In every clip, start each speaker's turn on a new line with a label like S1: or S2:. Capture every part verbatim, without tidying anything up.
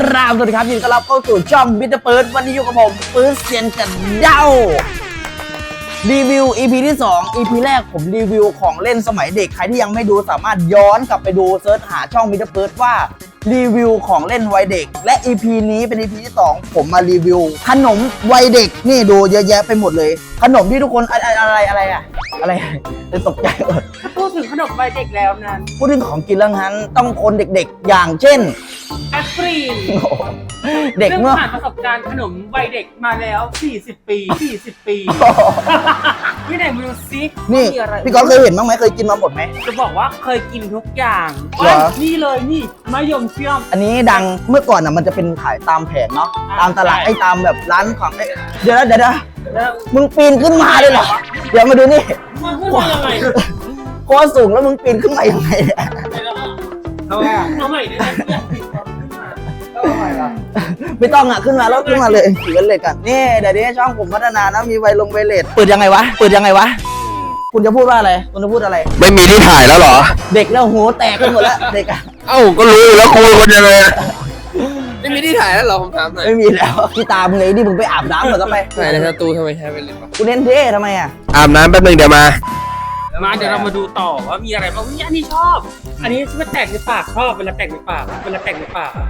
S1: ราบสวัสดีครับยินดีต้อนรับเข้าสู่ช่องบิตเตอร์เปิร์ดวันนี้อยู่กับผมปื้ดเซียนกันเย้ารีวิว อี พี ที่สอง อี พี แรกผมรีวิวของเล่นสมัยเด็กใครที่ยังไม่ดูสามารถย้อนกลับไปดูเซิร์ชหาช่องบิตเตอร์เปิร์ดว่ารีวิวของเล่นวัยเด็กและ อี พี นี้เป็น อี พี ที่สองผมมารีวิวขนมวัยเด็กนี่ดูเยอะแยะไปหมดเลยขนมที่ทุกคนอะไรอะไรอะไรอะอะไรจะตกใจหมด
S2: พูดถึงขนมวัยเด็กแล้วนั้น
S1: พูดถึงของกินแล้วงั้นต้องคนเด็กๆอย่างเช่น
S2: แอปเปิ้ล
S1: เด็กเมื่อ
S2: ผ่านประสบการณ์ขนมวัยเด็กมาแล้วสี่สิบปีสี่สิบปีพี่ไหนมือซิ
S1: นี่พี่ก๊อฟเคยเห็นบ้างไหมเคยกินมาหมดไหม
S2: จะบอกว่าเคยกินทุกอย่างนี่เลยนี่มะยมเชื่อม
S1: อันนี้ดังเมื่อก่อนอ่ะมันจะเป็นขายตามแผงเนาะตามตลาดไอ้ตามแบบร้านของเดี๋ยวนะเดี๋ยวนะมึงปีนขึ้นมาเลยเหรอเดี๋ยวมาดูนี่
S2: มันขึ้นมายังไง
S1: โคตรสูงแล้วมึงปีนขึ้นมายังไงเนี่ย
S2: เอาเอาใหม่ได้ไหม
S1: ไม่ต้องอ่ะขึ้นมาแล้วขึ้นมาเลยถือกันเลยกันนี่เดี๋ยวนี้ช่องผมพัฒนานะมีไวลงไวเลสเปิดยังไงวะเปิดยังไงวะคุณจะพูดว่าอะไรคุณจะพูดอะไร
S3: ไม่มีที่ถ่ายแล้วเหรอ
S1: เด็กแล้วหัวแตกกันหมดแล้วเด็กอ่ะ
S3: เอ้าก็รู้แล้วคุยคนยังไงไม่มีที่ถ่ายแล้วเหรอผมถามหน่อย
S1: ไม่มีแล้วที่ตามมึงเลยที่มึงไปอาบน้ำหมดแล้วไป
S3: ถ่ายในสตูทำไมใช้ไปเลย
S1: วะกูเน้นเท่ทำไมอ่ะ
S3: อาบน้ำแป๊บนึงเดี๋ยวมา
S2: มาเดี๋ยวเรามาดูต่อว่ามีอะไรบ้างอันนี้ชอบอันนี้มันแตกในปากชอบเวลาแตกในปากเวลาแตกในปาก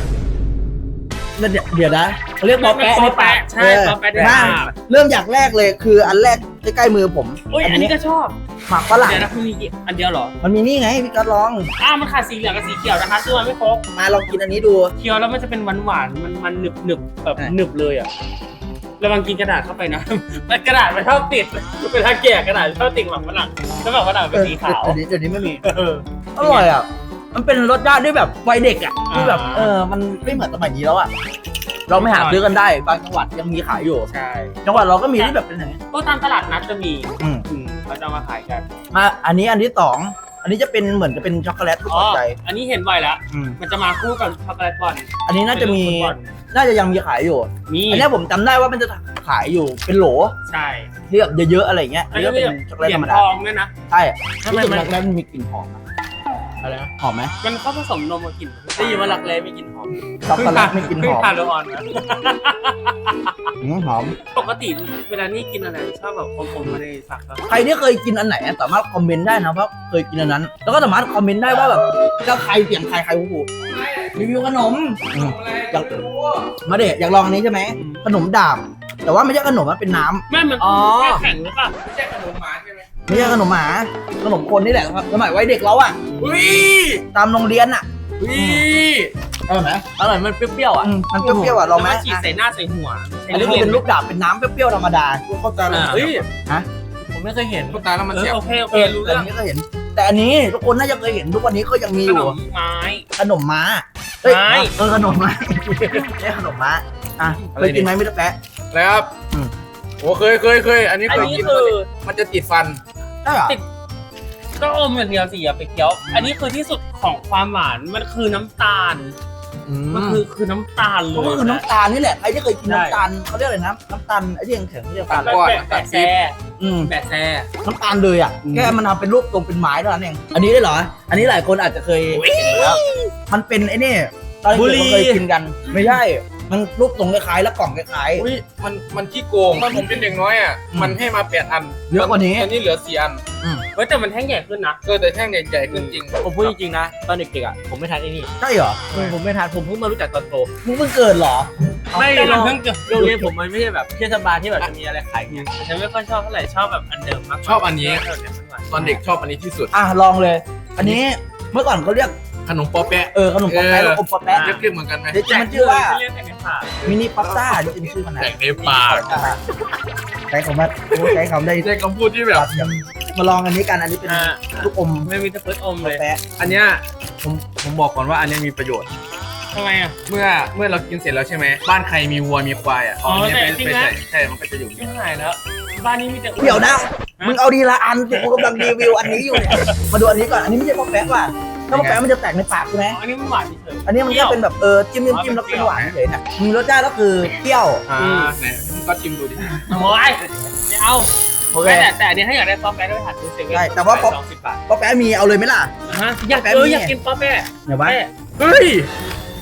S1: เดี๋ยวนะเขาเรียกปอแปะในปาก
S2: ใช่ปอแปะในปาก
S1: เริ่มจากแรกเลยคืออันแรกใกล้ๆมือผม
S2: อันนี้ก็ชอบ
S1: หมักฝรั่ง
S2: เดี๋ยวนะคุณมีอันเดียวเหรอ
S1: มันมีนี่ไงพี่ก็ลอง
S2: อ้าวมันขาดสีเหลืองกับสีเขียวนะคะซึ่งมันไม่ครบ
S1: มาลองกินอันนี้ดู
S2: เคี้ยวแล้วมันจะเป็นหวานๆมันมันหนึบหนึบแบบหนึบเลยอ่ะระวังกินกระดาษเข้าไปนะมันกระดาษมันชอบติดเวลาแกะกระดาษชอบติดหมักฝรั่งแล้วหมักฝรั่งเป็นสีขาว
S1: เดี๋ยวนี้เดี๋ยวนี้ไม่มีอร่อยอ่ะมันเป็นรสชาติด้วยแบบวัยเด็กอ่ะที่แบบเออมันไม่เหมือนสมัยนี้แล้วอ่ะเราไม่หาซื้อกันได้บางจังหวัดยังมีขายอยู่
S2: ใช่
S1: จังหวัดเราก็มีที่แบบเป็นอย่างนี้
S2: ก็ตามตลาดนัดจะมี
S1: อืม
S2: เขาจะมาขายกัน
S1: มาอันนี้อันที่สองอันนี้จะเป็นเหมือนจะเป็นช็อกโกแลตทุกใจ
S2: อันนี้เห็นไวแล้วมันจะมาคู่กับช็อกโกแลตบอล
S1: อันนี้น่าจะมีน่าจะยังมีขายอยู่
S2: มี
S1: อันนี้ผมจำได้ว่ามันจะขายอยู่เป็นโหล
S2: ใช่
S1: ที่แบบเยอะๆอะไรเงี้ยอันนี้เป็นช็อกโกแลตธรรมดา
S2: ทองเนี่ยนะ
S1: ใช่ทำไมมันแล้วมันมีกลิ่นหอมอะไรนะหอมไหม
S2: มันเข้าผสมนมกับกลิ่นได้ยินว่ารักแร้มีกลิ่นหอม
S1: ช็อกโกแลตไม่กลิ่นหอม
S2: ทานแล้วอ่อนนะ
S1: หอม
S2: ปกติเวลานี่กินอะไรชอบแบบอมๆมาในฝัก
S1: ใครที่เคยกินอันไหนสามารถคอมเมนต์ได้นะว่าเคยกินอันนั้นแล้วก็สามารถคอมเมนต์ได้ว่าแบบก็ใครเสียงใครใครหูรีวิวขนมอยากมาเด็กอยากลองอันนี้ใช่ไหมขนมดาบแต่ว่าไม่ใช่ขนมมันเป็นน้
S2: ำไม่มันแค่แข็งหรือเปล่าไม่ใช่ขนมหมาใช่ไหม
S1: ไม่ใช่ขนมหมาขนมคนนี่แหละครับสมัยวัยเด็กเราอ่ะตามโรงเรียนอ่ะอร่อยไหมอร่อยมันเปรี้ยวๆอ่ะมันเปรี้ยวๆอ่ะลองไหม
S2: ฉีดใส่หน้าใส่หัว
S1: อันนี้เป็นลูกดาบเป็นน้ำเปรี้ยวๆธรรมดา
S3: เข้าใจแล้ว
S2: เฮ้ย
S1: ฮะ
S2: ผมไม่เคยเห็น
S3: เข้าใจแล้วมันเสียบ
S2: โอเคโอเครู้เรื่อง
S1: นี้ก็เห็นแต่อันนี้ทุกคนน่าจะเคยเห็นทุกวันนี้ก็ยังมีอยู่
S2: ขนมไม้
S1: ขนมม้าเฮ้ยเออขนมม้านี่ขนมม้าอ่ะเคยกินไหมมิตรแปะ
S3: แล้วครับโอ้เคยเคยเคยอันนี้เคยกินมันจะติดฟัน
S1: ใช่หรอ
S2: ติดก็อมอย่างเดียวสิอย่าไปเคี้ยวอันนี้คือที่สุดของความหวานมันคือน้ำตาลมันคือคือน้ำตาลเลย
S1: ก็คือน้ำตาลนี่แหละใครที่เคยกินน้ำตาลเขาเรียกอะไรนะน้ำตาลไอ้ที่แข็งๆเรียก
S2: น้ำตาลก้อนแปะแซ่แปะแซ่
S1: น้ำตาลเลยอ่ะแค่มันทำเป็นรูปตรงเป็นไม้เท่านั้นเองอันนี้ได้เหรออันนี้หลายคนอาจจะเคยเห็นแล้วมันเป็นไอ้นี่ตอนเด็กๆเคยกินกันไม่ใช่มันรูปตรงคล้ายๆแล้วกล่องคล้าย
S3: ๆอุ้ยมันมันขี้โกงตอนผมเป็นเด็กน้อยอ่ะมันให้มาแปดอัน
S1: เยอะกว่านี้
S3: อันนี้เหลือสี่อัน
S2: เฮ้ยแต่มันแท่งใหญ่ขึ้นนะ
S3: เออแต่แท่งใหญ่ขึ้นจริง
S2: ผมพูดจริงๆนะตอนเด็กๆอ่ะผมไม่ทานไอ้นี่
S1: ใช่เหรอ
S2: ผมไม่ทานผมเพิ่งมารู้จักตอนโต
S1: มึงเพิ่งเกิดเหรอ
S2: ไม่เราเพิ่งเกิดโรงเรียนผมมันไม่ใช่แบบเทศบาลที่แบบจะมีอะไรขายเงี้ยฉันไม่ค่อยชอบเท่าไหร่ชอบแบบอันเดิมมาก
S3: ชอบอันนี้ตอนเด็กชอบอันนี้ที่สุด
S1: อ่ะลองเลยอันนี้เมื่อก่อนเขาเรียก
S3: ขนมปอแปะ
S1: เออขนมปอแปะแล้วอมปอแปะ
S3: เรียกเหมือนกันไหม
S1: เดี๋ยวมันชื่อว่ามินิพาสต้าที่เป็นชื่อมัน
S3: แต่งในปาก
S1: ใช้คำว่าใช้คำได้
S3: ใช้คำพูดที่แบบ
S1: มาลองอันนี้กันอันนี้เป็นลูกอม
S2: ไม่มีแต่เพิร์ดอมเลย
S3: อันเนี้ยผมผมบอกก่อนว่าอันนี้มีประโยชน์
S2: ทำไมอ่ะ
S3: เมื่อเมื่อเรากินเสร็จแล้วใช่ไหมบ้านใครมีวัวมีควายอ่ะ
S2: อ๋อแต่จริงนะ
S3: ใช่มันก็จะอยู่
S2: ที่ไหนแล้วบ้านนี้มีแต่
S1: เดี๋ยวนะมึงเอาดีละอันกูกำลังรีวิวอันนี้อยู่เนี่ยมาดูอันนี้ก่อนอันนี้ไม่ใช่ปอแปะว่ะถ้าปอแปะมันจะแตกในปากใช่ไหม
S2: อันนี้มันหวานเฉย
S1: อันนี้มันก็เป็นแบบเออจิ้มจิ้มแล้วเป็นหวานเฉยเนี่ยมีรสชาติก็คือเปรี้ยว
S3: อ่าไหนก็ชิมดูดิ
S2: โอ้ยไม่เอาแต่แต่อันนี้ถ้าอยากได้ป๊อปแป๊ะก็ไปหาซื้อเซเว่น
S1: ใช่แต่ว่าป๊อปป๊อปแป๊ะมีเอาเลยไหมล่ะ
S2: ฮะอยากเอออยากกินป๊อปแป๊ะ
S1: เดี๋ยวไว้
S3: เฮ้ย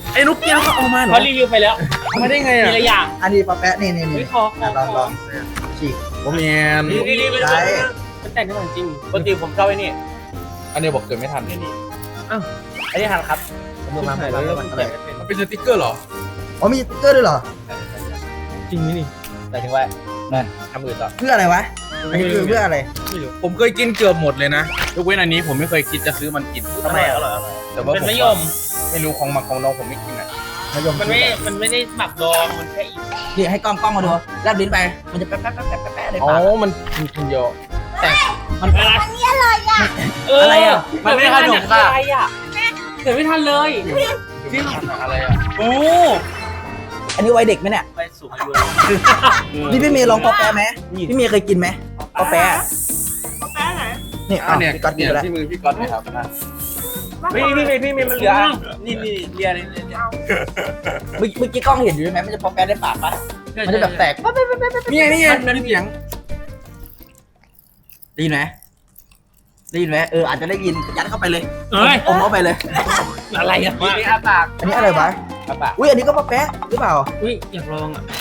S3: ไอ้ลูกแก้วเขาเอามาเหรอ
S2: เขารีวิวไปแล้ว
S3: เอามาได้ไง
S2: มี
S3: อ่ะ
S2: อะไรอย่าง
S1: อันนี้ปลาแปะนี่นี่
S2: เฮ้
S1: นี่
S2: ยคอคอ
S1: ลอง
S2: ค
S1: ล
S2: อ
S1: องฉีก
S3: ผมแมน
S2: นี่นี่นี่มัน
S1: ใช่
S2: มันแต่งได้จริงปกติผมชอบไอ้นี่
S3: อันนี้บอกเกิดไม่ทัน
S2: นี่นี่
S1: อันนี้ทันครับผมดูมาผมดูมาอะไร
S3: มันเป็นสติ๊กเกอร์เหรอ
S1: อ๋อมีสติ๊กเกอร์ด้วยเหรอ
S2: จริงนี่
S1: หมายถึงว่านั่น
S2: ทำอื่นต่อ
S1: เพื่ออะไรวะอันนี้คือเพื่ออะไร
S2: ไม่รู้
S3: ผมเคยกินเกือบหมดเลยนะยกเว้นอันนี้ผมไม่เคยคิดจะซื้อมันกิน
S1: ทำไมอ่ะ
S3: แต่ว่า
S2: เป็น
S3: ผม
S2: มะยม
S3: ไม่รู้ของหมักของน้องผมไม่กินอ่ะ
S1: มายม
S2: มันไม่มันไม่ได้หมักดองมันแค่อีก
S1: นี่ให้กล้องกล้องมาดูแลบลิ้นไปมันจะแป๊ะแป๊ะแป๊ะแป๊ะแป๊ะใน
S3: อ๋อ
S1: ปาก
S3: มันกินคนเดียว
S1: มัน
S2: อะไร
S1: เอออะไรอ่ะ
S2: มันไม่ทันอะไรอ่ะเกิดไม่ทันเลย
S3: จริงอะไรอ่ะ
S2: โอ้
S1: อันนี้วัยเด็กไหมเนี่ย
S2: ไปสูงอายุ
S1: นี่พี่เมย์ลองปอแปะไหมพี่เมย์เคยกินไหมปอแปะ
S4: กาแฟไหน
S1: นี่
S3: อั
S1: อ่ะ
S3: นเนี้ย
S1: พี่ก๊อตกิน
S3: เนี่ย
S1: ไปแล้ว
S3: ที่มือพี่ก๊อตเลยครับนะ
S2: พี่พี่พี่พี่มันเหลือนี่นี่เรียนนี่
S1: เมื่อเมื่อกี้กล้องเห็นอยู่ใช่ไหมมันจะปอแปะในปากปะมันจะแบบแตกปั๊บปั๊บปั๊บปั๊บปั๊บ
S3: นี่ไงนี่ไงมันเสียง
S1: ได้ยินไหมได้ยินไหมเอออาจจะได้ยินยัดเข้าไปเลย
S2: เอ้ย
S1: อมเข้าไปเลย
S2: อะไรอ่ะนี่อาปาก
S1: อันนี้อะไรวะ
S2: อาปาก
S1: อุ้ยอันนี้ก็ปอแปะหรือเปล่า
S2: อุ้ยอยากลองอ่ะ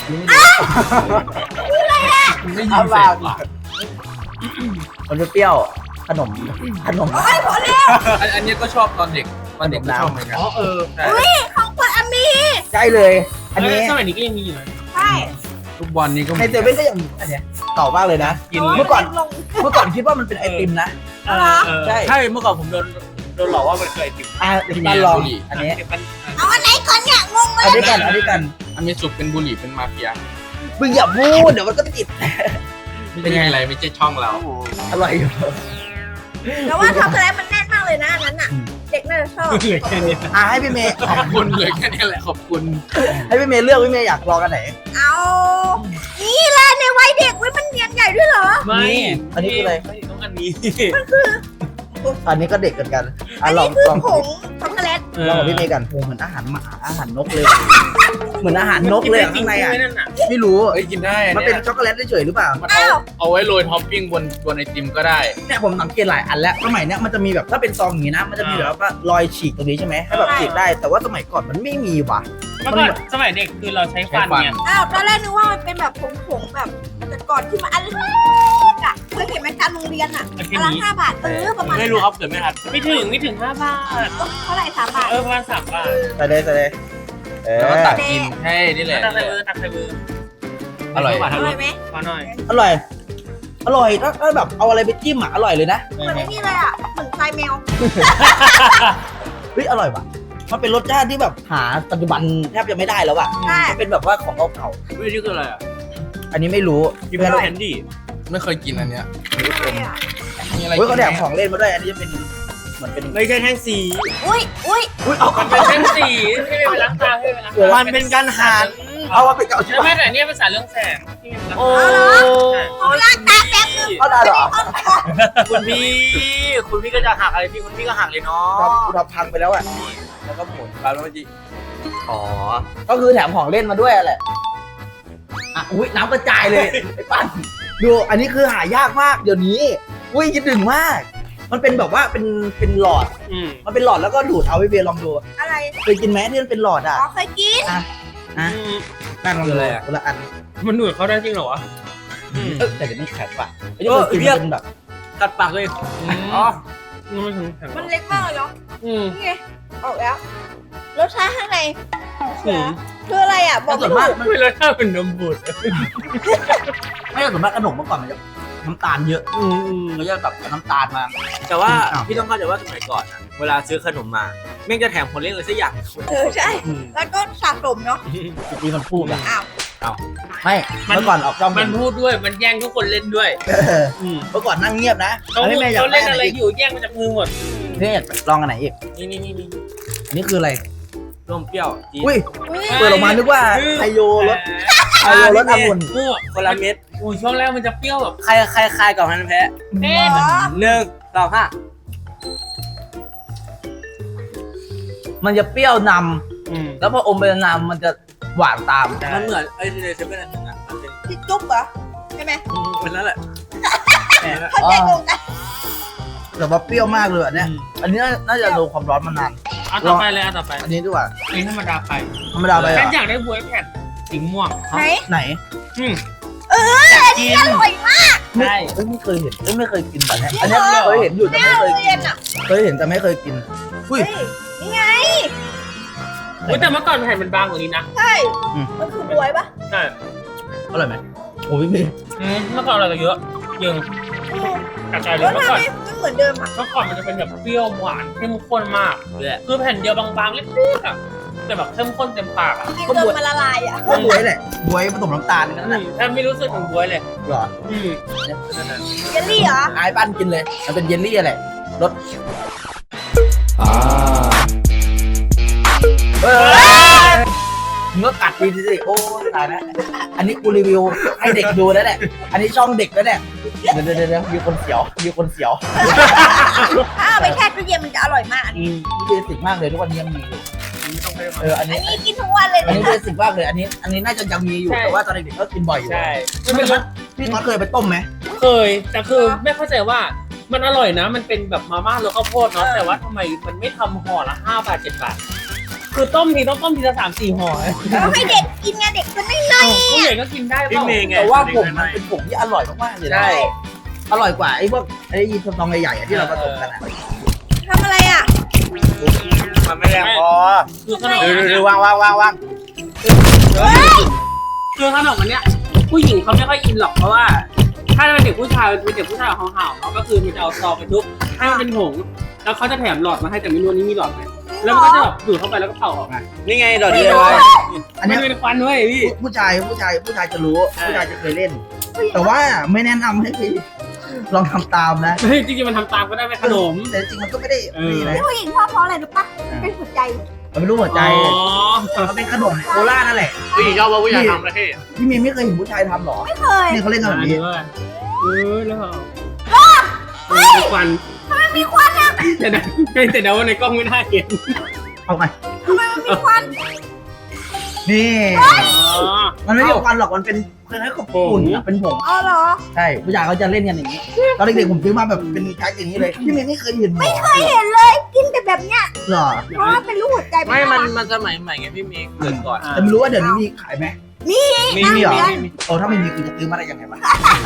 S3: มันไม่ยินเสียงว่ะ
S1: มันจะเปรี้ยวขนมขนม
S3: อันอันนี้ก็ชอบตอนเด็กตอนเด็กก็ชอบเหมือนกัน
S2: อ๋อเออ
S3: ใช่
S4: ของคนอามี
S1: ใช่เลย อันนี้
S2: สมัยนี้ก็ยังมีอยู่นะ
S4: ใช่
S3: ทุกวันนี้ก็
S1: ในเซเว่นก็ยังมีอันเนี้ยเก่ามากเลยนะ
S2: กิน
S1: เมื่อก่อน
S4: ลง
S1: เมื่อก่อนคิดว่ามันเป็นไอติมนะ ใช่
S2: ใช่เมื่อก่อนผมโดนโดนหลอกว่ามันเคยติด
S1: อ่ะบ้านลองอันนี้
S4: เอาอันไหนก่อนเนี่ยงงเลย
S1: อันนี้กันอันนี้กัน
S3: อันนี้สุกเป็นบุหรี่เป็นมาเฟีย
S1: มึงอย่าพูดเดี๋ยวมันก็ติด
S3: เป็นไงอะไรไม่ใช่ช่องเรา
S1: อร่อยอยู่
S4: แต่ว่าช็อกโกแลตมันแน่นมากเลยนะอันนั้นอ่ะ เด็กน่าจะชอบ
S2: เหลือแค่นี้
S1: อ่ะให้พี่เมย์
S3: ขอบคุณเลยแค่นี้แหละขอบคุณ
S1: ให้พี่เมย์เลือกพี่เมย์อยากลองกันไหน
S4: เอานี่แหละในวัยเด็กเว้ยมันเนียนใหญ่ด้วยเหรอ
S2: ไม่
S1: อันนี้คืออะไร
S2: ไม่ต้องอันนี้
S1: อันนี้ก็เด็กกันกัน
S4: อั
S1: อ่ะ
S4: น
S1: ลอ
S4: นี้
S1: ง
S4: คือ
S1: ลอง
S4: ผงช็อกโกแลต
S1: ลองกับพี่เมย์กันโอ้เหมือนอาหารหมาอาหารนกเลย เหมือนอาหารนกเลยอะข้างในอ่ะ
S2: นั่นน่ะ
S1: ไม่รู้
S3: เอ้ยกินได้อัน
S1: มัน
S3: เนี้
S1: เป็น
S3: ย
S1: ช็อกโกแลตเฉยๆหรือเปล่า
S3: มันเอาเอาไว้โรยท็อปปิ้งบนบนไอติมก็ได้
S1: เนี่ยผมสังเกตหลายอันแล้วสมัยเนี้ยมันจะมีแบบถ้าเป็นซองอย่างนี้นะ มันจะมีแบบว่ารอยฉีกตรงนี้ใช่ไหมให้แบบฉีกได้ แต่ว่าสมัยก่อนมันไม่มีว่ะ
S2: เมื่อก่อนสมัยเด็กคือเราใช้ฟันเนี่ย
S4: อ้าวตอนแรกนึกว่ามันเป็นแบบผงๆแบบแต่ก่อนที่มันอันเล็กๆอ่ะเคยเห็นไหมตามโรงเรียนอ่ะ
S2: มัน
S4: อั
S2: แค่
S4: นละ
S2: นี้
S4: ห้าบาทเออประมาณ
S2: ไม่รู้ครับเกิดไม่ทันไม่ถึงไม่ถึงห้าบาท
S4: เท่าไหร่สามบาท
S2: เออประมาณสามบาท
S1: ใส่เลยใส่เลยเอ
S3: แล้ว
S1: อ
S3: ก็ตักกินให้นี่แหละ
S2: ตักใส่มือตักใส่มือ
S3: อร่อย
S4: อร่อยไหม
S2: ขอหน่อย
S1: อร่อย อร่อยถ้าถ้าแบบเอาอะไรไปจิ้มอ่ะอร่อยเลยนะ
S4: เหมือนไอ้นี่เลยอ่ะเหมือนทรายแมว
S1: เฮ้ยอร่อยว่ะมันเป็นรสชาติที่แบบหาปัจจุบันแทบจะไม่ได้แล้วอ่ะ
S4: ใช่
S1: มันเป็นแบบว่าของเก่า
S2: วิธีคืออะไรอ่ะ
S1: ๆอันนี้ไม่รู้
S2: กิน
S1: เพื่อน
S2: แคนดี้
S3: ไม่เคยกินอันเนี้ย
S4: อะไรอ่ะ
S3: มีอะไร
S1: เฮ้ยเขาแถม
S3: กินไห
S1: ของเล่นมาด้วยอันนี้จะเป็นเหมือนเป็น
S2: ไม่ใช่แท่งสี
S4: อุ้ยอุ้ย
S1: อุ้ยเอา
S2: มันเป็นแท่งสีที่ไม่เป็นล้างตาให้เป็นล้างตามันเป็นการหัน
S1: เอามาเป็นเก่าชิบ
S2: แล้ว
S1: หา
S2: แม่
S1: ย
S2: แต่เนี่ยภาษาเรื่องแสงที่มัน
S1: โอ้
S4: เอาล้างตาแป๊บนึง
S1: เอาได้เหรอ
S2: คุณพี่คุณพี่ก็จะหักอะไรพี่คุณพี่ก็หักเลยเนาะ
S1: ครับกูทำพังไปแล้วอ่ะ
S3: แล้วก็หมุนปลาแล้วมันจะ
S1: อ๋อก็คือแถมของเล่นมาด้วยแหละอ่ะอุ้ยน้ำกระจายเลยไอ้ปั้นดูอันนี้คือหายากมากเดี๋ยวนี้อุ้ยคิดถึงมาก มันเป็นแบบว่าเป็นเป็นหลอด
S2: อืม
S1: มันเป็นหลอดแล้วก็ดูดเอาไว้เบียร์ลองดู
S4: อะไร
S1: เคยกินไหมที่มันเป็นหลอดอ่ะ
S4: อ๋อเคยกิน
S1: นะนั่งลองดูคนละอัน
S2: มันดูดเขาได้จริงเหรอวะ
S1: เออแต่เดี๋ยวมันแข็งป่ะไม่ได้เคยกินมันเป็นแบบ
S2: กัดปากเลยอ๋อมันถึงแข็ง
S4: มันเล็กมากเลยเนาะ
S2: อืม
S4: นี่ไงออกแล้วรสชาติข้างใน
S2: อืม
S4: คืออะไรอ่ะบอก
S1: ส่
S4: ไม่
S1: วน
S4: ถู
S1: มาก
S4: ก
S1: มัน
S2: ไม่แล้วถ้าเป็นนมบูด
S1: ไม่ใช่ส่วนมากขนมเมื่อก่อนมันจะน้ำตาลเยอะ
S2: อืมอืม
S1: มันจะแบบน้ำตาลมา
S5: แต่ว่า
S1: อ้าว
S5: พี่ต้องเข้าใจว่าสมัยก่อนอะเวลาซื้อขนมมาแม่งจะแถมคนเล่นอะไรสักอย่าง
S4: เออใช่ แล้วก็สะสมเนาะ
S1: มีคนพูดอ่ะ
S4: อ้าว
S1: ไม่เมื่อก่อนออกจอม
S2: มันพูดด้วยมันแย่งทุกคนเล่นด้วย
S1: เออ
S2: อืม
S1: เมื่อก่อนนั่งเงียบนะ
S2: เขา
S1: อันนี้แม่อยาก
S2: เขา
S1: ได้
S2: เล่น
S1: อะ
S2: อะไร ไร
S1: อีก
S2: อยู่แย่งมาจากมือหมด
S1: นี่อยากลองอันไหนอีก
S5: นี่นี่นี่นี่
S1: อันนี้คืออะไร
S5: ร่วมเปรี้ยวจี๊ด
S1: อุ้ย
S4: อุ้ย
S1: เปิดออกมานึกว่าไฮโยรสไฮโยรสองุ่น
S2: โอ้
S5: คนละเม็ด
S2: โหช่วงแรกมันจะเปรี้ยวแบบ
S5: ใครใครใครกับฮันแพ้
S2: เอ๊ะ
S4: อ๋อ
S5: หนึ่งสองห้า
S1: มันจะเปรี้ยวน
S2: อืม
S1: ำแล้วพออมไปนานๆมันจะหวานตาม
S5: มันเหมือนไอ้ที่ในเซเว่นอันนึงอ่ะมันเป็น
S4: ที่จุ๊บเหรอใช่ไหม
S5: เป็นนั่นแหละ
S4: เข้าใจตรงกัน
S1: แต่ว่าเปรี้ยวมากเลยอันเนี้ยอันนี้น่าน่าจะโดนความร้อนมานาน
S2: เอาต่อไปเลยเอาต่อไป
S1: อันนี้ดีกว่า
S2: อันนี้ธรรมดาไป
S1: ธรรมดาไป
S2: ฉั
S1: อ่ะ
S2: นอยากได้บวยแผ่นสีม่วง
S4: ไหน
S1: ไหน
S2: อืม
S4: เอออันนี้อร่อยมาก
S1: ไม่
S2: ใช่
S1: เอ้ยไม่เคยเห็นเอ้ยไม่เคยกินแบบเนี้ยอันเนี้ยเคยเห็นอยู่แต่
S4: แม่
S1: ไม่เคย
S4: เรี
S1: กิ
S4: ย
S1: น
S4: นอ่ะ
S1: เคยเห็นแต่ไม่เคยกินอุ้ย
S4: เฮ้ยนี่ไง
S2: อุ๊ยแต่เมื่อก่อนแผ่นมันบางกว่านี้นะ
S4: ใช่ มันคือบวยปะ
S2: ใช่
S1: อร่อยไหมโอ้ยพี่
S2: อืมเมื่อก่อนเราจะเยอะยัง
S4: อืม
S2: กระจายเล
S4: แล้
S2: ยว เมื่อ
S4: ทำ
S2: ก่อน
S4: ไมไม่เหมือนเดิมอ่ะ
S2: เมื่อก่อนมันจะเป็นแบบเปรี้ยวหวานเข้มข้นมาก
S5: เลย
S2: คือแผ่นเดียวบางๆเล็กๆอ่ะแต่แบบเข้มข้นเต็มปากอ่ะ
S4: กินจนมันละลายอ่ะ
S1: ก็บวยแหละบวยผสมน้ำตาลนั่นแหละ
S2: แทบไม่รู้สึกถึงบวยเลย
S1: เหรอ
S2: อืม
S4: เยลลี่เหรอ
S1: ไอ้ปั้นกินเลยมันเป็นเยลลี่อะไรรสเฮ้ยมึงก็กัดดีสิโอ้ยตายแล้วอันนี้กูรีวิวให้เด็กดูแล้วแหละอันนี้ช่องเด็กแล้วเนี่ยเดี๋ยวเดี๋ยวเดี๋ยวมีคนเสียวมีคนเสียว
S4: ถ้าเอาไปแช่ตู้เย็นมันจะอร่อยมากอัน
S2: อื
S4: นี้
S2: ม
S1: เบสิกมากเลยทุกวันนี้ยังมีอยู่
S2: ไม่ต้องไป
S1: เอออัน
S4: อั
S1: นี้
S4: นนี้กินทุกวันเลย
S1: อันนี้
S4: นะ
S1: เบสิกมากเลยอันนี้ อันนี้น่าจะยังมีอยู่แต่ว่าตอนเด็กๆก็กินบ่อยอยู่
S2: ใช่
S1: ไม่เป็นไรพี่น็อตเคยไปต้มไหม
S2: เคยแต่คือไม่เข้าใจว่ามันอร่อยนะ มันเป็นแบบมาม่ารสข้าวโพดเนาะแต่ว่าทำไมมันไม่ทำห่อละห้าบาทเจ็ดบาทคือต้มทีต้องต้มทีละสามสี่ห่อ
S4: เราให้เด็กกินไงเด็กมันไม่เลย
S2: ผู้ใหญ่ก็กินได้เปล่า
S1: แต่ว่าผมมันเป็นผงที่อร่อยมากๆเลยนะ
S2: ใช่
S1: อร่อยกว่าไอ้พวกไอ้ยีนซองใหญ่ๆอะที่เราผสมกันอะ
S4: ทำอะไรอ่ะ
S1: มันไม่แรงพอ
S2: คือขนม
S1: เอ
S2: อัน
S1: อ
S2: เนี้ย
S1: วางวางวางวาง
S2: คือขนมอันเนี้ยผู้หญิงเขาไม่ค่อยอินหรอกเพราะว่า ถ้าเป็นเด็กผู้ชายเป็นเด็กผู้ชายห่าวๆเนาะก็คือมันจะเอาซองไปทุบให้มันเป็นผงแล้วเขาจะแถมหลอดมาให้แต่ไม่รู้อันนี้มีหลอดไหมแล้วมันก็จะแบบดูดเข้าไปแล้วก็เป่าออกมา
S5: นี่ไงดอกเดียว
S1: อัน
S2: มั
S1: เนี้
S2: น
S1: ย
S2: เป็นควันเว้ยพี่
S1: ผู้ชายผู้ชายผู้ชายจะรู้
S2: ใช่
S1: ผู้ชายจะเคยเล่น แต่ว่าไม่แนะนำให้พี่ลองทำตามนะ
S2: เฮ้ยจริงๆมันทำตามก็ได้ไหมขนม
S1: แต่จริงๆมันก็ไม่ได้
S2: เออ
S1: นี่นะ
S4: ที่ผู้หญิงชอบเพราะอะไรรู้ปะมันเป็นหัวใจ
S1: มันไม่รู้หัวใจ
S2: อ๋อ
S1: มันเป็นขนมโคราชนั่นแหละ
S3: ผู้หญิงชอบว่าผู้ชายทำนะพี่
S1: พี่มีไม่เคยเห็นผู้ชายทำหรอ
S4: ไม่เคย
S1: นี่เขาเล่นกันแบบนี้
S2: เออแล้วเฮ้ยควัน
S4: มันมีควันอ่ะ
S2: แต่นะแต่เดาว่าในกล้องไม่ได้เห็น
S1: เอาไป
S4: ทำไมมันมีควัน
S1: นี่
S2: อ๋อ
S1: มันไม่ใช่ควันหรอกมันเป็นคล้ายๆกับฝุ่นอะเป็นผง
S4: อ๋อเหรอ
S1: ใช่ผู้ชายเขาจะเล่นกันอย่างนี้ ตอนเด็กๆผมซื้อมาแบบเป็นแพ็คอย่างนี้เลยพี่เมย์ไม่เคยเห็นหรอ
S4: ไม่เคยเห็นเลย กินแต่แบบเนี้ย
S1: หรอ
S4: เพราะว่าเป็นรูปหัวใจ
S3: ไม่ มัน
S4: น่ารัก
S3: มันสมัยใหม่ไงพี่เมย์เกิดก่อน
S1: แต่ไม่รู้ว่าเดี๋ยวนี้มีขายไหม
S4: มี
S2: มี
S1: มี
S2: มี
S1: เหรอ
S2: มีมี
S1: โอ้ถ้าไม่มีกูจะซื้อมาได้ยังไงวะ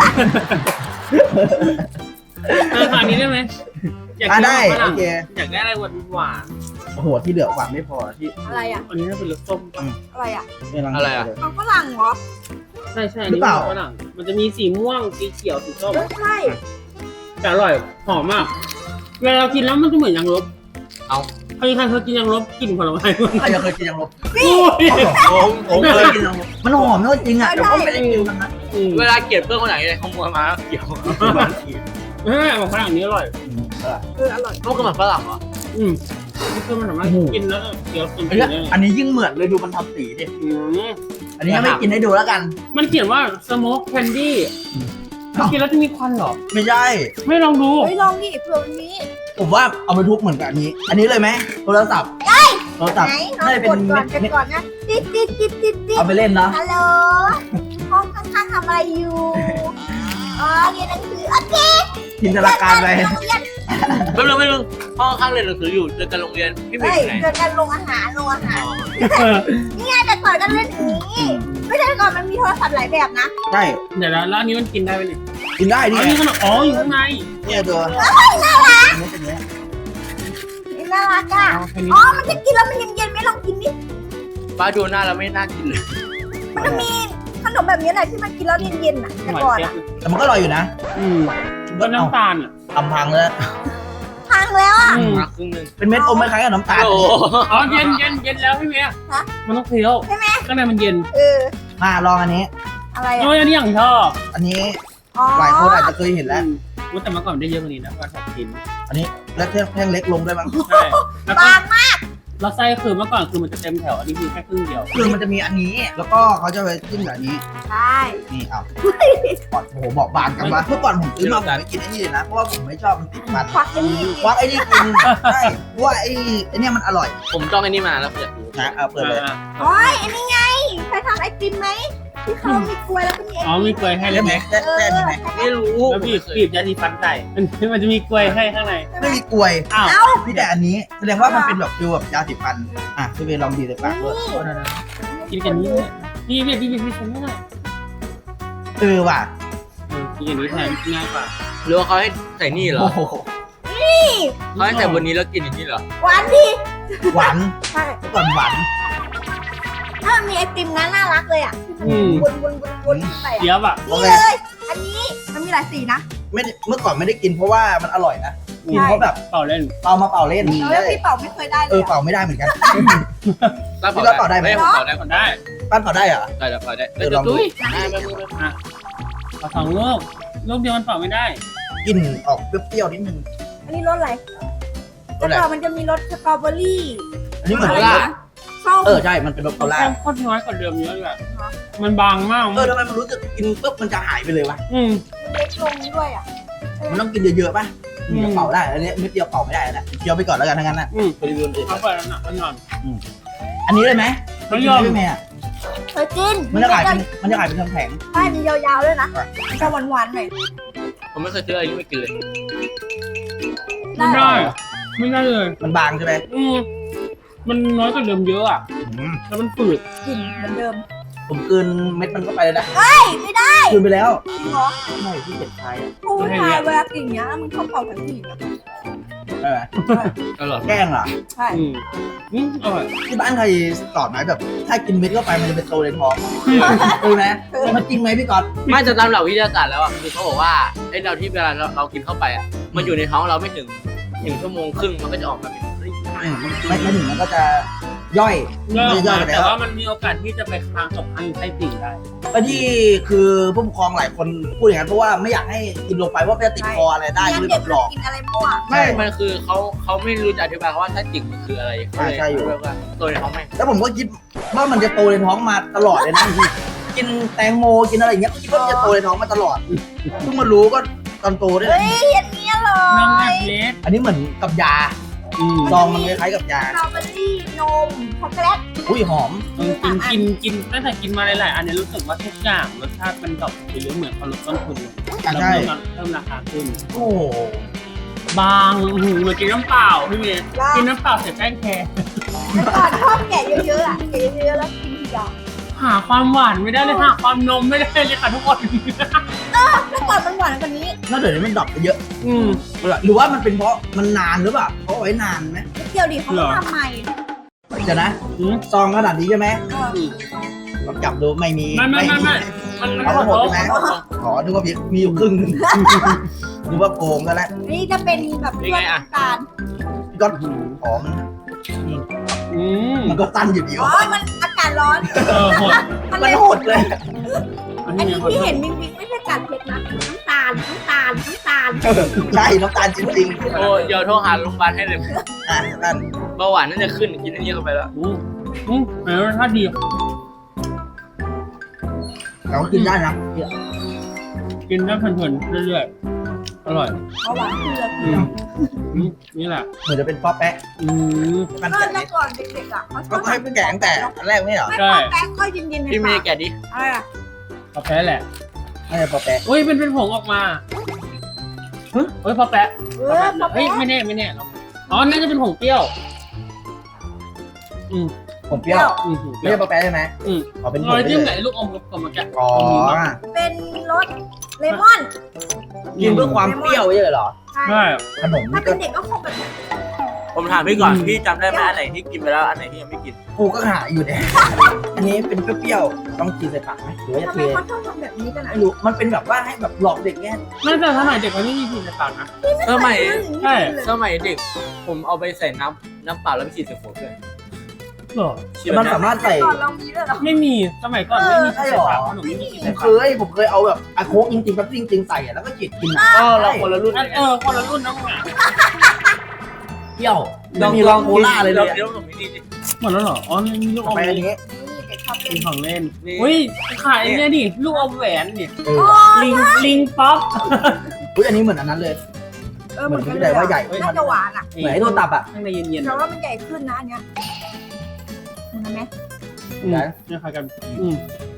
S2: เออขนาดนี้ได้ไหมอยาก
S1: อ่ะ
S2: กิน
S1: ได้
S2: ฝรั่
S1: โอง เค
S2: อยากได้อะไรหวานหวาน
S1: โอ้โหที่เหลือหวานไม่พอที่
S4: อะไรอ่ะ
S2: อันนี้น่าเป็นรสส้ม
S4: อะไรอ่ะ
S1: ม่ลัง
S3: อะไรอะ
S4: ของฝรั่งเหรอ
S2: ใช่ใช่
S1: หรือเปล่า
S2: ฝรั่งมันจะมีสีม่วงสีเขียวสีส้ม
S4: ไม่ใช่
S2: แต่อร่อยหอมมากเวลาเรากินแล้วมันจะเหมือนยางลบ
S3: เอา
S2: ใครใครเคยกินยางลบกลิ่นผลไม้มัน
S1: ใครจะเคยกินยังลบ
S2: อุ้ย
S3: ผมผม
S1: เค
S3: เค
S1: ย
S3: ย
S1: กินยังลบมันหอมนะจริงอ่ะแต่ก็ไม่ได้กินมันนะ
S2: อืม
S3: เวลาเกลียดเพื่อนคนไหนเลยขโมยมาเกี่ยว
S2: เฮ้ยของฝรั่งนี้อร่อย
S4: เอออร่อย
S3: พวกขนมฝรั่งเหรอ
S2: อืมนี่คือมันสามารถกินแล้วเคี้ยวกินไป
S1: อัน
S2: เล
S1: นี้
S2: ย
S1: อันนี้ยิ่งเหมือนเลยดูมันทำสีดิ
S2: อืม
S1: อันนี้ยังไม่กินให้ดูแล้วกัน
S2: มันเขียนว่า smoke candy มันกินแล้วจะมีควันเหรอ
S1: ไม่ใช่
S2: ไม่ลองดู
S4: เฮ้ยลองดิเผื่อมันมี
S1: ผมว่าเอาไปทุบเหมือนกับอันนี้ อันนี้เลยไหมโทรศัพท์โทรศัพท์
S4: ไหนลอง
S1: น่าจะเป็
S4: ก
S1: น
S4: ดก่อนกัน
S1: เม็ด
S4: ก่อนนะติดติดติดติดติด
S1: เอาไปเล่นเนาะ
S4: ฮัลโหลห้องข้างๆทำอะไรอยู่อ๋อเรียนหนังสือโอเค
S1: จินตนาการไป
S4: เรียน
S3: ไม่รู้ไม่รู้ห้องข้างเรียนหนังสืออยู่เจอกันโรงเรียนพี่เม
S4: เฮ้
S3: ย์
S4: ย
S3: อยู่ไหน
S4: เจอกันลงอาหารลงอาหารนี่ไงแต่ก่อนก็เล่นอย่างนี้ไม่ใช่แต่ก่อนมันมีโทรศัพท์หลายแบบนะ
S1: ใช่
S2: เดี๋ยวแล้วแล้วอันนี้มันกินได้ไหมเนี่ย
S1: กินได้
S2: อ๋
S1: ดิ
S2: อนี่ขนมอ๋ออยู่ข้างใน
S1: เนี่ยตัวอันนี้เป็นเนี้ย
S4: นี่น่ารักอ่ะ
S2: อ๋อแค่นี้
S4: อ๋อมันจะกินแล้วมันเย็นๆไหมลองกินดิ
S3: ป้าดูหน้าแล้วไม่น่ากินเลย
S4: มันจะมีขนมแบบนี้แหละที่มันกินแล้วเย็นๆอ่ะแต่
S2: หวาน
S4: ก่อน
S2: เจี๊ยบ
S4: อ่ะ
S1: แต่มันก็อร่อยอยู่นะ
S2: อืมก็น้ำตาลอ่ะ
S1: ทำพังแล้ว
S4: พังแล้วอ่ะ
S2: อืม
S3: มาครึ่งหนึง
S1: เป็นเม็ดอมคล้ายๆกับน้ำตาล
S3: โอ้
S2: อ๋อเย็นเย็นเย็นแล้วพี่เมีย
S4: ฮะ
S2: มันต้องเคี้ยว
S4: ใช่ไหม
S2: ข้างในมันเย็น
S4: เออ
S1: มาลองอันนี้
S4: อะไร
S2: โอ้
S4: อ่ะ
S2: ยอันนี้อย่างชอบ
S1: อันนี้
S4: อ๋อ
S1: หลายคนอาจจะเคยเห็นแล้ว
S2: อืมอุ๊ยแต่เมื่อก่อนได้เยอะกว่านี้นะว่าชอบกิน
S1: อันนี้แล้วแท่งแท่งเล็กลงด้วยมั้ง
S2: ใช่แล้วก็
S4: บางมาก
S2: แล้วไส้คือเมื่อก่อนคือมันจะเต็มแถวอันนี้คือแค่ครึ่งเดียว
S1: คือมันจะมีอันนี้ แล้วก็เขาจะไปจิ้มกับอันนี้
S4: ใช่
S1: นี่เอาก่อนโอ้โหบอกบางกันวะเมื่อก่อนผมซื้อมาผมไม่กินไอ้นี่เลยนะ เพราะว่าผมไม่ชอบมันติดมัน
S4: ควักยังมี
S1: ว่าไอ้นี่กินใช่เพราะว่าไอ้ไอ้เนี่ยมันอร่อย
S3: ผมจ้องไอ้นี่มาแล้วอยากดู
S1: นะเอาเปิดเลย
S2: อ่า
S4: โอ้ยอันนี้ไงใครทำไอติมไหมที่เขามีกล้วยแล้วก็มี
S2: อ๋อมีกล้วยให้
S1: ได้
S2: แล้ว
S1: ไห
S2: ไห
S1: ม
S2: ม
S1: ได้ได้ไหม
S3: ไม่รู้
S2: แล้วบีบบีบยาสีฟันใส่มันมันจะมีกล้วยให้ข้างใน
S1: ไม่มีกลวย
S2: อ้าว
S4: เอ้า
S1: มีแต่อันนี้แสดงว่ามันเป็นแบบฟิลแบบยาสีฟันอ่ะพี่เวลองบีบใส่ปากด้วย
S2: กินกันนี้เลยนี่บีบบีบบีบบีบฉันไม่ได้
S1: เออว่ะ
S2: เออกินอย่างนี้แทนง่ายกว่า
S3: หรือว่าเขาให้ใส่นี่เหรอ
S1: โอ้โห
S3: เขาให้ใส่บนนี้แล้วกินอย่างนี้เหรอ
S4: หวานดี
S1: หวาน
S4: ใช่
S1: เมื่อก่อนหวาน
S4: ถ้ามันมีไอติมนั้นน่ารักเลยอ่ะ
S2: อืม
S4: วนวนวนวนขึ้นไป
S2: เดี๋
S4: อ่ะ
S2: ยวอ่ะ
S4: นี่เลย อันนี้มันมีหลายสีนะ
S1: ไม่ได้เมื่อก่อนไม่ได้กินเพราะว่ามันอร่อยนะกินเพราะแบบ
S2: เป่าเล่น
S1: เอามาเป่าเล่น
S4: แล้วพี่เป่าไม่เคยได้เล
S1: เออย
S4: อะ
S1: เป่าไม่ได้เหมือนกัน
S3: แล้ว
S1: พี่ว่าต่อได้ไหม
S3: ผมต่อได้
S2: ก่อนได้
S1: ปั้นเป่าได้เหรอ
S3: ได้ได้ได้ได้
S1: เออลองดู
S3: ตุ้ยอ่าไม่ไม่ไม่
S2: อ่ะเอาสองลูกลูกเดียวมันเป่าไม่ได้
S1: กลิ่นออกเปรี้ยวๆนิดนึง
S4: อันนี้รสอะไร
S1: รสอะไร
S4: แต่ก่อนมันจะมีรสสตรอเบอรี่
S1: อันนี้เหมือน
S4: อะไร
S1: รส
S4: นะส้ม
S1: เออใช่มันเป็นรสโคลา
S2: แค่โคตรน้อยกว่าเดิมเยอะเลยอะมันบางมาก
S1: เออทำไมมันรู้สึกกินปุ๊บมันจะหายไปเลยวะ
S2: อืม
S4: เล็กลงด้วยอ่ะ
S1: มันต้องกินเยอะๆป่ะ
S2: อืม
S1: จะเป่าได้อันนี้เม็ดเดียวเป่าไม่ได้นะเคี้ยวไปก่อนแล้วกันทั้งนั้นนะ
S2: อืม
S1: ไปรีวิวอื่น
S2: เอาไปแล้วนะมันนอน
S1: อันนี้เลยไหม
S2: ไม่ยอม
S1: ไม่แม่อะ
S4: เคยกิน
S1: มันจะขายเป็นมันจะขายเป็นแผง
S4: ใช่มียาวๆด้วยนะมันจะหวานๆหน่อย
S3: ผมไม่เคยซื้ออะไรที่ไม่กินเลย
S2: ไม่ได้ไม่ได้เลย
S1: ๆมันบางใช่ไหม
S2: อืมมันน้อยกว่าเดิมเยอะอ่ะ
S1: อืม
S2: แล้วมันฝืด
S4: กลิ่นเหมือนเดิม
S1: ผมกลืนเม็ดมันเข้าไปเลยนะ
S4: เฮ้ยไม่ได้
S1: กลืนไปแล้ว
S4: จริงเหรอ
S1: ไม่ที่เจ็บคายอะ
S4: ผู้ชายเวลากินอย่างเงี้ยมึงชอบเป่าแบบผู้หญิงอะ
S1: ใช่ไหม
S3: อร่อย
S1: แกล้งเหรอ
S4: ใช่
S2: อืมอืมอร่อย
S1: ที่บ้านใครสอนไหมแบบ ถ้ากินเม็ดเข้าไปมันจะเป็นโตในท้องเออไหมมันจริงไหมพี่ก๊อต
S3: ไม่จะตามหลักวิทยาศาสตร์แล้วอ่ะคือเขาบอกว่าไอ้เราที่เวลาเราเรากินเข้าไปอ่ะมันอยู่ในท้องเราไม่ถึงหนึ่งชั่วโมงครึ่งมันก็จะออกมาเป็นครีม
S1: อืมไม่ไม่ถึงมันก็จะย่อย
S2: เลิก
S1: ย่อย
S2: มา
S1: ไป
S2: แต่
S1: แล้ว
S2: ว่ามันมีโอกาสที่จะไปค้างกับค้างอยู่ใต้ติ่งได้
S1: ก็ที่คือผู้ปกครองหลายคนพูดอย่างนั้นเพราะว่าไม่อยากให้กินลงไปว่ามันจะติดคออะไรได้ก็เลย
S4: เด็
S1: แบ
S4: ก
S1: บหลอก
S4: กินอะไรมั่ว
S1: ใช่
S3: ไม่มันคือเขาเขาไม่รู้จะอธิบายว่าถ้าจิกมันคืออะไร
S1: ใช่ใช่อยู่
S3: เรียกว่าตัวในท้องแม่ง
S1: แล้วผมก็คิดว่ามันจะโตในท้องมาตลอดเลยนะ กินแตงโมกินอะไรอย่างเงี้ยก็คิดว่ามันจะโตในท้องมาตลอดเพิ่งมารู้ก็ตอนโตด้วย
S4: เฮ้ยอันนี้อร่
S2: น้อง
S4: อ
S2: แบ
S4: ย
S2: บเล็ก
S1: อันนี้เหมือนกับยา
S2: อืม
S1: ซองมันคล้ายๆกับยา
S4: สตรอเบอรี่นมช็อกโกแลต
S1: อุ้ยหอม
S2: เออกินกินกินตั้งแต่กินมาหลายๆอันเนี้รู้สึกว่าทุกอย่างรสชาติมันดรอปไปเรื่อยเหมือนเขาลดต้นทุนลง
S1: อ่ะ
S2: แล้ว
S1: ใช่
S2: เพิ่มเพิ่มราคาขึ้น
S1: โอ้โห
S2: บางอื้อหือเหมือนกินน้ำเปล่าพี่เมย์กินน้ำเปล่าเสร็จแป้งแคร์
S4: แต่ก่อนชอบแกะเยอะๆอ่ะแกะเยอะๆแล้วกินทีเดียว
S2: หาความหวานไม่ได้เลยหาความนมไม่ได้เลยค่ะทุกคน
S4: แต่ก่อนมันหวานกว่านี้
S1: ถ้าเดี๋ยวนี้มันดรอปไปเยอะ
S2: อืม
S1: หรือว่ามันเป็นเพราะมันนานหรือเปล่าเขาเอาไว้นานไหม
S4: นิดเดียวดิเขา
S2: เหร
S4: ไม่
S2: อ
S4: ทำใหม่
S1: เดี๋ยวนะ
S2: อืม
S1: ซองขนาดนี้ใช่ไหม
S4: เออ
S2: อืม
S1: ลองจับดูไม่มี
S2: ไม่ไม่ไม่ไม่มันมัน
S1: เอา
S2: หม
S1: มา
S2: ด
S1: หมดใช่ไหมอ๋อนึกว่ามีมีอยู่ครึ่งหนึงนึกว่าโกงกันแล้ว
S4: นี่จะเป็นแบบเพื่อนน้ำตาล
S1: พี่ก็หอมนะนี่
S2: อืม
S1: มันก็ตั้นอยู่ดี
S4: อ๋อ
S1: วะ
S4: มันอากาศร้อน
S2: เออหมด
S4: มัน
S1: มั
S4: เล
S1: น
S4: ย
S1: โหดเลย
S2: อัน
S4: อัน
S2: นี้
S4: นี้
S2: หมด
S4: ที่เห็นมิงมิงไม่ใช่กัดเผ็ดนะน้ำตาลน้ำตาลน้ำตาล
S1: เออใช่น้ำตาลจริง
S3: โอ้เดี๋ยวโทรหาโรงพยาบาลให้เลย
S1: ๆอ่ะนั่น
S3: เบาหวานน่าจะขึ้นกินอันนี้เข้าไปแล้ว
S2: อืมอืมแต่รสชาติดี
S1: เรากินได้นะ
S2: กินได้เพลินๆเรื่อยๆอร่อย
S4: เอาหวานเกลือ
S2: อืมอืมนี่แหละ
S1: เหมือนจะเป็นป๊อปแป๊ะ
S2: อืม
S1: มัน
S4: ก็
S1: แกะ
S4: แต่
S1: นี่
S4: ก่อนเด็กๆอ่ะเขาช
S1: ก็
S4: อบ
S1: ให้แกะตั้งแต่อันแรกไม่เหรอ
S4: ไม่พอแป๊กก็เย็นๆใน
S3: พี่เม
S4: ปาก
S3: ย์แกะดิ
S4: อะไรอ่ะ
S2: พอแพ้แหละ
S1: ไม่ใช่ป๊อปแป๊ะ
S2: อุ้ยเป็นเป็นผงออกมา
S1: ฮะ
S2: เฮ้ยพอแปะ
S4: เออพอ
S2: เฮ้ย
S4: แป๊ก
S2: ไม่แน่ไม่แน่หรอกอ๋อน่าจะเป็นผงเปรี้ยว อืม
S1: ผมเปรี้ยว
S2: อืมผงเป
S1: ไม่
S2: รี้ยว
S1: ใช่ป๊อปแป๊ะใช่ไหม
S2: อืม
S1: อ๋อเป็นผ
S2: ร
S1: ม
S2: อย
S1: ไป
S2: จิ้ม
S1: เล
S2: ไหน
S1: ย
S2: ลูกอมกับเมื่อกี้
S1: อ๋อ
S4: เป็นรสเลมอน
S1: กินเพื่อความเปรี้ยวใช่เหรอ
S4: ใช่
S2: ใช่
S1: ขนม
S4: ถ้า
S1: นี่
S4: เป็
S1: ก็
S4: นเด็กก็คงแบบ
S3: ผมถามพี่ก่อนพี่จำได้ไหมอันไหนที่กินไปแล้วอันไหนที่ยังไม่กิน
S1: กูก็หาอยู่เนี่ย อันนี้เป็นเปรี้ยวๆต้องกินใส่ปากไหมหรือว่าจะ
S4: ทำ
S1: เท
S4: ไมเขาชอบทำแบบนี้กันอ่ะ
S1: ไม่รู้มันเป็นแบบว่าให้แบบหลอกเด็กเนี่ย
S2: น่าจะสมัยเด็กมันไม่มีผิดในปากนะ
S3: สมัย
S2: ใช่
S3: สมัยเด็ก ผมเอาไปใส่น้ำน้ำเปล่าแล้วไปฉีดใส่หัวด้วย
S2: เหรอ
S3: เชื่อ
S1: มัน
S3: ไหม
S1: สามารถใส่
S4: ก่อนเรามีด้วยเหรอ
S2: ไม่มีสมัยก่อนไม่มีผิดในปากขนมไม่มีผิด
S1: ผ
S2: ใน
S1: ม
S2: ปา
S1: เค
S2: ก
S1: ยผมเคยเอาแบบอะโค้กจริงๆแบบจริงๆใส่อะแล้วก็ฉีดกินอะ
S3: ก็เราคนละรุ่น
S2: อันเออคนละรุ่นน้องหมา
S1: เปรี้ยวไม่มีรองโคล่าเลยเลย
S3: เดี๋ยวผมนี่ดิ
S2: หมดแล้วเหรอ อ๋อนี่ลูกอม
S1: ไปอันนี้
S4: นี่เด็กชอบเล่
S2: เป็น
S4: น
S2: ของเล่น
S3: นี่
S2: อุ้ยขายเนี่ยดิลูกอมแหวนดิ
S1: เออ
S4: โอ้
S2: ลิงลิงป๊อป
S1: อุ้ยอันนี้เหมือนอันนั้นเลย
S4: เออเหมือนกัน
S1: เหมือน
S4: เลย
S1: ว่าใหญ่
S4: น่าจะหวานอ่ะ
S1: เหมือนไอ้โทรตับอะ
S2: ข้างในเย็นๆ
S4: แต่ว่ามันใหญ่ขึ้นนะอันเนี้ยเห็นไหม
S2: อืมเนี่ยค่ะกันอืม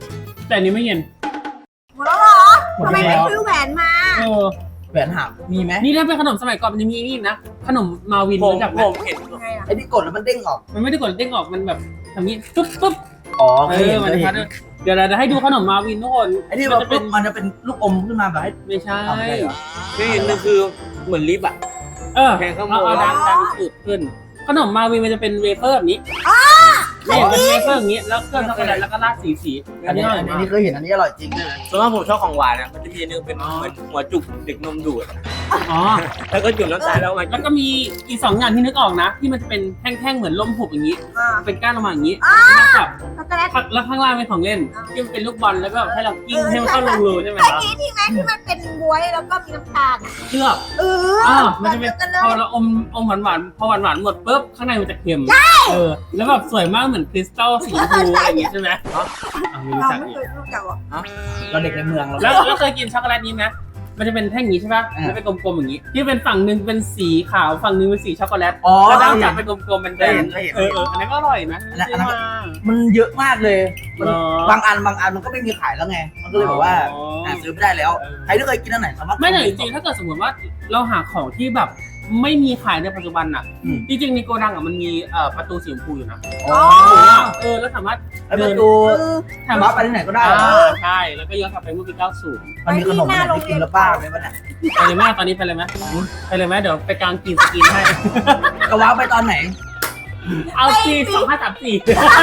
S2: แต่อันนี้ไม่เย็น
S4: หมดแล้วเหรอ
S1: หมด
S4: ทำไม
S1: แล้
S4: ไม่
S1: ว
S4: ซื้อแหวนมา
S2: เออ
S1: แหวนหักมีไหม
S2: นี่ถ้าเป็นขนมสมัยก่อนมันจะมีนี่นะขนมมาวิน
S3: ผม
S2: รู้จักไหม
S3: ผมเห็น
S4: ยังไงล่ะ
S1: ไอ้ที่กดแล้วมันเด้งออก
S2: มันไม่ได้กดเด้งออกมันแบบทำนี้ปุ๊บปุ๊บ
S1: อ๋อ
S2: เอ
S1: เคยเห็
S2: อน มัน
S1: เคย
S2: จะ
S1: เห็
S2: พั
S1: น
S2: ดเดี๋ยวเราจะให้ดูขนมมาวินทุกคน
S1: ไอ้ที่
S2: มั
S1: มัน
S2: จะเป็น
S1: มันจะเป็นลูกอมขึ้นมาแบบให้
S2: ไม่ใช่
S1: ทำได้เหรอ
S3: ไม่เห็นมันคือเหมือนลิฟต์อ่ะ
S2: เออ
S3: แพงข้างบน
S2: เราเอาดันดันสูตรขึ้น ขนมมาวินมันจะเป็นเวเฟอร์แบบนี้นี่เป็นเวเฟอร์อย่างนี้แล้วเครื่องช็อกโกแลตแล้วก็ราดสีสี
S1: อันนี้
S2: อร่อย
S1: อัน
S2: มาก
S1: นี้เคยเห็นอันนี้อร่อยจริง
S3: ส่วนมากผมชอบของหวานนะมันจะมีอันนึงเป็นเหมือนหัวจุกเด็กนมดูด
S2: อ๋อ
S3: แล้วก็จุ่มน้ำตาลแล้วมา
S2: แล้วก็มีอีกสองอย่างที่นึกออกนะ ที่มันจะเป็นแท่งๆเหมือนลมหุบอย่างนี้
S4: อ่า
S2: เป็นก้านลงมาอย่างนี้
S4: อ่า
S2: กับ
S4: ช็อกโกแลต
S2: แล้วข้างล่างเป็นของเล่นที่มันเป็นลูกบอลแล้วก็ให้เรากิ้งให้มันเข้ารูๆใช่ไหม
S4: ไอ้
S2: ครับ
S4: นี้ที่แม่ที่มันเป็นบวยแล้วก็มีน้ำตาล
S2: เชือก
S4: เออ
S2: อ่ามันจะเป็น
S4: กันเล
S2: พอย เราอมอมหวานหวานๆพอหวานหวานๆหมดปุ๊บข้างในมันจะเค็มเออแล้วแบบสวยมากเหมือนคริสตัลสีชมพูอะไรอย่างงี้ใช่ไหมอ๋อไม่รู้
S4: เรา
S2: จัก
S4: ไม่
S2: อีก
S4: เคยรู้จักหรอก
S1: เราเด็กในเมืองเรา
S2: แล้วแล้วเคยกินช็อกโกแลตนี้ไหมมันจะเป็นแท่งอย่างนี้ใช่ป่ะ
S1: อ่า
S2: แล้วเป็นกลมๆอย่างนี้ ที่เป็นฝั่งหนึ่งเป็นสีขาวฝั่งหนึ่งเป็นสีช็อกโกแลต
S1: อ๋อ
S2: แล้วด้านจับเป็นกลมๆเป็นแดง
S1: เคยเห็น
S2: เออเอออันนี้ก็อร่อยนะ
S1: อันนั้นอันนั้น
S2: ซื้อมา
S1: มันเยอะมากเลยมัน
S2: เหรอบ
S1: างอันบางอันมันก็ไม่มีขายแล้วไง มันก็เลยแบบว่าหาซื้อไม่ได้แล้ว ใครที่เคยกินอันไหนสามารถ
S2: ไม่แต่จริงๆถ้าเกิดสมมติว่าเราหาของที่แบบไม่มีขายในปัจจุบันอ่ะ
S1: อืม
S2: จริงๆในโกดังอ่ะมันมีเอ่อประตูสีชมพูอยู่นะ
S1: อ๋อ
S2: เออแล้วสามารถ
S1: ไอ้ประตู
S4: เออ
S2: ถาม
S1: บั
S2: ว่า
S1: ฟไปที่ไหนก็ได้
S2: อ่า
S1: เหรอ
S2: ใช่แล้วก็ย้อนกลับไปเมื่อปีเก้าสิบ
S1: มันมีขนมอะไรที่กินแล้วป้าไหมวะเนี่ย
S2: ไปเลยแม่ตอนนี้ไปเลยไหมไปเลยไหมเดี๋ยวไปกลางกินสกินให้
S1: จะว้าวไปตอนไหน
S2: เอาปีสองห้าสามสี่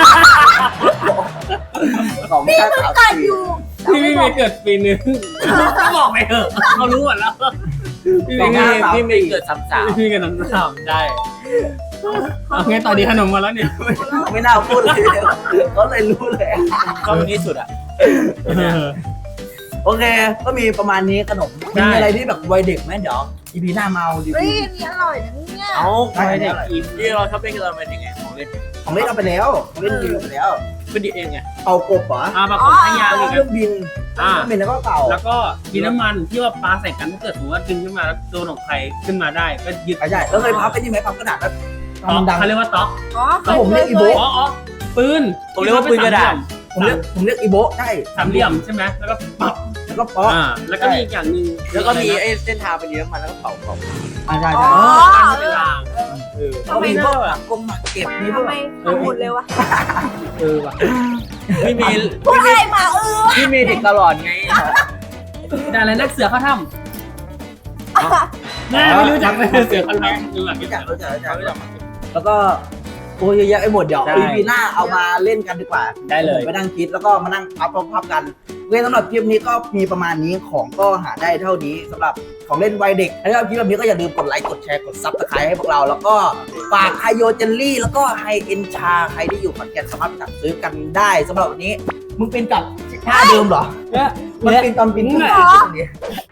S1: สอง
S4: พี่
S1: ชา
S4: เพิ่ง
S1: สาม
S4: เกิด
S1: สี่
S4: อยู่
S2: พี่ไม่มีเกิดปีนึงบอกไปเถอะเขารู้หมดแล้วพี่
S3: พี่
S2: ไม่
S3: เม
S2: มี
S3: ย์พี่เมย์เกิดสามสาว
S2: พี่กันน้ำสามได้เอาไงต่อดีขนมมาแล้วเนี่ย
S1: ไม่น่าพูดเลยก็เลยรู้เลย
S3: ชอบที่สุดอ่ะ
S1: โอเค ก็มีประมาณนี้ขนม
S2: ได้
S1: มีอะไรที่แบบวัยเด็กไหมเดี๋ยวอีพีหน้ามาเอาดี
S4: เฮ้ยอันนี้อร่อยนะเนี่ย
S3: เอา
S1: ได้
S2: ไม่
S1: ได้
S2: ได้กิน
S3: ที่เราชอบเล่นกันเราเป็นยังไงของเล่น
S1: ของเล่นเอาไปแล้วของเล่นรีวิวไปแล้ว
S3: เป็นดีเองไง
S1: เป่ากบเหรอ
S2: อ่าปรากฏให้ยาว
S1: แล้ว
S2: อี
S1: ก็
S2: ก
S1: เครื่องบิน
S2: อ่า
S1: เครื่องบินแล้วก็เป่า
S2: แล้วก็มีน้ำมันที่ว่าปลาใส่กันถ้าเกิดสมมติว่าดึงขึ้นมาแล้วโดนของใครขึ้นมาได้ก็ยึด
S1: ใช่แล้วเคยพับไปนี่ไหมพับกระดาษแล้ว
S2: ต๊อก
S1: ทำดัง
S2: เขาเรียกว่าต๊อก
S4: อ๋อ
S1: แล้วผมเรียกอีโบะ
S2: อ๋ออ๋อปืน
S3: ผมเรียกว่าปืนกระดาษ
S1: ผมเรียกผมเรียกอีโบะใช่
S2: สามเหลี่ยมใช่ไหมแล้วก็ปับ
S1: แล้วก็ป๊อก
S2: อ่าแล้วก็มีอีกอย่างหนึ่ง
S3: แล้วก็มีไอ้เส้นทางไปเลี้ยงมันแล้วก็เป่าเป่า
S1: อ่าใช่
S4: อ๋
S1: ใช่
S4: อ
S2: การเวลา
S3: เออ
S1: แล้วก็มีพวกหลักกงหมักเก็บมีพว
S4: ทำ
S1: ก
S4: ไมทำหมดเลยวะ
S3: เออว่ะพี่เมย์
S4: พูดอะไรมาเออ
S3: พี่เมย์เด็กตลอดไง
S2: ได้อะไรนักเสือเข้าถ้ำแม่ไม่รู้จักเลยเสือเข้าถ้ำดูแบบ
S1: รู้
S2: นี้
S1: จักรู้จักรู้จักรู้จักแล้วก็โอ้ยเยอะแยะไปหมดเดี๋ยว
S2: ใช่
S1: อีพีหน้าเอามาเล่นกันดีกว่า
S2: ได้เลย
S1: ผมไปนั่งคิดแล้วก็มานั่งพับพับกันโอเคสำหรับคลิปนี้ก็มีประมาณนี้ของก็หาได้เท่านี้สำหรับของเล่นวัยเด็กถ้าชอบคลิปแบบนี้ก็อย่าลืมกดไลค์กดแชร์กดซับสไครต์ให้พวกเรา แล้วก็ฝากไฮโยเจลลี่แล้วก็ไฮเอ็นชาใครที่อยู่ขอนแก่นสามารถไปสั่งซื้อกันได้สำหรับวันนี้มึงเป็นกับท่าเดิมเหรอ
S2: เนี่ย
S1: มันเป็นตอนบินขึ้นมา
S4: เหรอ
S1: ตรงนี้